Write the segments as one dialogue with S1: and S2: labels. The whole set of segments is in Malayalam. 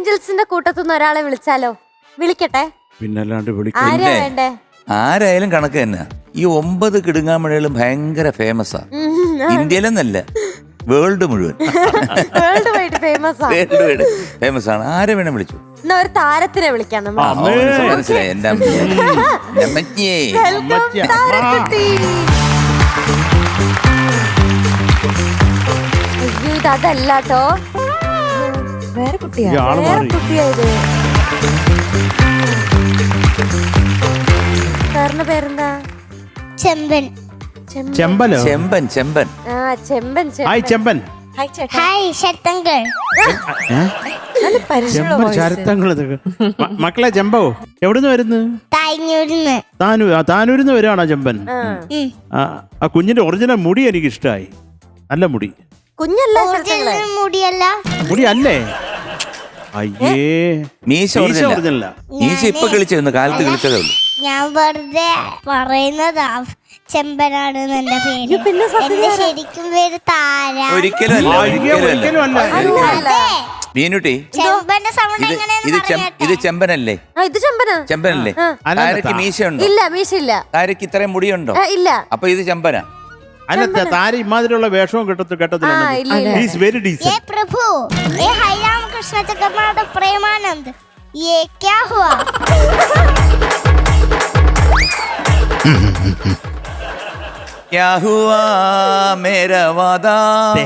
S1: ഏഞ്ചൽസിന്റെ കൂട്ടത്തുനിന്ന് ഒരാളെ വിളിച്ചാലോ? വിളിക്കട്ടെ.
S2: പിന്നല്ലാണ്ട്
S1: ആരാ വേണ്ടേ?
S3: ആരായാലും കണക്ക് തന്നെ. ഈ 9 കിടുങ്ങാമഴകളും ഭയങ്കര ഫേമസാ. ഇന്ത്യയിലെന്നല്ല, വേൾഡ് മുഴുവൻ
S1: വേൾഡ് വൈഡ്
S3: ഫേമസ് ആണ്. ആരെ വേണം വിളിച്ചു.
S1: എന്നാ ഒരു താരത്തിനെ വിളിക്കാം നമ്മൾ.
S3: മനസ്സിലായി. എന്റെ
S1: അതല്ലാട്ടോ,
S4: വേറെ കുട്ടിയാ.
S1: കുട്ടിയായത്. സാറിന്റെ പേരെന്താ?
S2: ചെമ്പൻ.
S3: ചെമ്പൻ. ചെമ്പൻ.
S1: ആ ചെമ്പൻ.
S2: ഹായ് ചെമ്പൻ.
S4: ഹായ് ശരത്തങ്കൾ.
S2: ശരത്തങ്ങൾ. മക്കളെ ചെമ്പോ എവിടുന്ന് വരുന്നു? താനൂരിന്ന് വരുവാണോ ചെമ്പൻ? ആ കുഞ്ഞിന്റെ ഒറിജിനൽ മുടി എനിക്ക് ഇഷ്ടമായി. നല്ല മുടി.
S1: കുഞ്ഞല്ല,
S4: മുടിയല്ല.
S2: മുടി അല്ലേ? അയ്യേ,
S3: മീശ ഒറിജിനല്ല. മീശ ഇപ്പൊ കളിച്ചു, കാലത്ത് കളിച്ചതേ ഉള്ളൂ.
S4: ഞാൻ വെറുതെ പറയുന്നതാ. ചെമ്പനാണ് എന്റെ പേര്.
S1: പിന്നെ
S4: എന്റെ ശരിക്കും പേര് താര.
S3: ഒരിക്കലും അല്ല മീനുട്ടി.
S4: ചെമ്പന്റെ സൗണ്ട്
S3: ഇത് ചെമ്പനല്ലേ?
S1: ഇത് ചെമ്പനാ.
S3: ചെമ്പനല്ലേ? താരക്ക് മീശ ഉണ്ടോ?
S1: ഇല്ല, മീശ ഇല്ല.
S3: താരക്ക് ഇത്രയും മുടിയുണ്ടോ?
S1: ഇല്ല.
S3: അപ്പൊ ഇത് ചെമ്പനാ.
S2: അല്ല, താര ഇമാതിരിയുള്ള വേഷവും കേട്ടത്തില്ല.
S4: प्रभु, ये हाई राम कृष्ण जगन्नाथ प्रेमानंद, ये क्या हुआ?
S3: क्या हुआ मेरा वादा.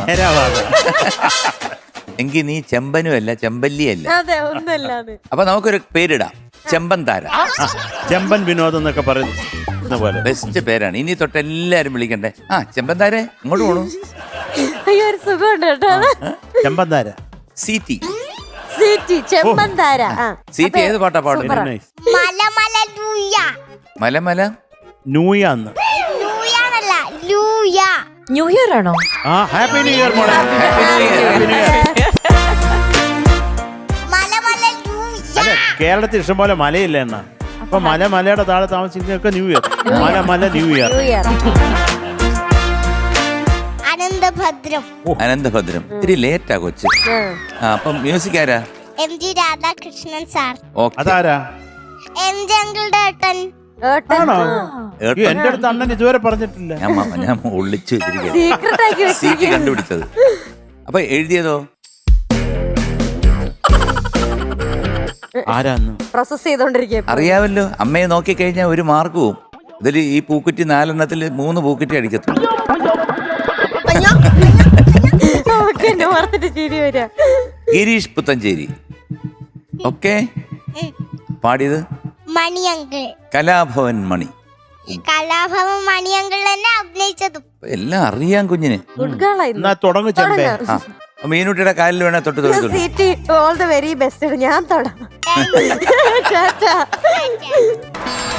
S3: എങ്കിൽ നീ ചെമ്പനും അല്ല, ചെമ്പല്ലിയല്ല.
S1: അതെ, ഒന്നല്ലാതെ.
S3: അപ്പൊ നമുക്കൊരു പേരിടാം, ചെമ്പൻ താര.
S2: ചെമ്പൻ വിനോദം എന്നൊക്കെ പറയുന്നത്
S3: ബെസ്റ്റ് പേരാണ്. ഇനി തൊട്ട് എല്ലാരും വിളിക്കണ്ടേ. ആ ചെമ്പൻ താര ഇങ്ങോട്ട് പോണു.
S1: അയ്യോ, ഒരു സുഖമുണ്ട് കേട്ടോ.
S2: ചെമ്പൻ താര.
S3: സീറ്റി.
S1: ചെമ്പൻ താര.
S3: സീറ്റി ഏത് പാട്ടാ പാടുന്നത്?
S4: മലമല ലൂയ.
S3: മലമല
S2: ന്യൂയാന്ന്.
S4: ലൂയാണല്ല, ലൂയ.
S5: ന്യൂ ഇയർ ആണോ?
S2: ആ ഹാപ്പി ന്യൂ ഇയർ മോളെ.
S4: മലമല ലൂയ.
S2: അല്ല, കേരളത്തിൽ ഇഷ്ടംപോലെ മലയില്ല എണ്ണ. അപ്പൊ മലയുടെ താഴെ താമസിക്കുന്നൊക്കെ ന്യൂ ഇയർ. മല ന്യൂ ഇയർ.
S3: അനന്തഭദ്രം. ഇത്തിരി ലേറ്റാ കൊച്ച്. അപ്പം മ്യൂസിക് ആരാ?
S4: MG Radhakrishnan sir.
S2: അതാരാ?
S4: MG അങ്കിളുടെ ഏട്ടൻ.
S2: ആണോ? എന്റെ അടുത്ത് അണ്ണൻ ഇതുവരെ പറഞ്ഞിട്ടില്ല.
S3: ഞാൻ ഒളിച്ചു സീറ്റ് കണ്ടുപിടിച്ചത്. അപ്പൊ എഴുതിയതോ?
S2: ആരാന്ന്
S1: പ്രോസസ് ചെയ്തോണ്ടിരിക്കുക.
S3: അറിയാമല്ലോ, അമ്മയെ നോക്കിക്കഴിഞ്ഞാൽ ഒരു മാർക്ക് പോവും. ഇതിൽ ഈ പൂക്കുറ്റി 4 3 പൂക്കുറ്റി അടിക്കത്തുള്ളൂ. ഗിരീഷ് പുത്തഞ്ചേരി. ഓക്കെ. പാടിയത്
S4: മണിയങ്കിൾ.
S3: കലാഭവൻ മണി.
S4: കലാഭവൻ മണിയങ്കിൾ തന്നെ അഭിനയിച്ചതും.
S3: എല്ലാം അറിയാം കുഞ്ഞിന്.
S2: തുടങ്ങും ചെമ്പേ.
S3: മീനുട്ടിയുടെ കാലിൽ വേണേ തൊട്ട്
S1: ഓൾ ദ വെരി ബെസ്റ്റ്. ഞാൻ തൊടാം.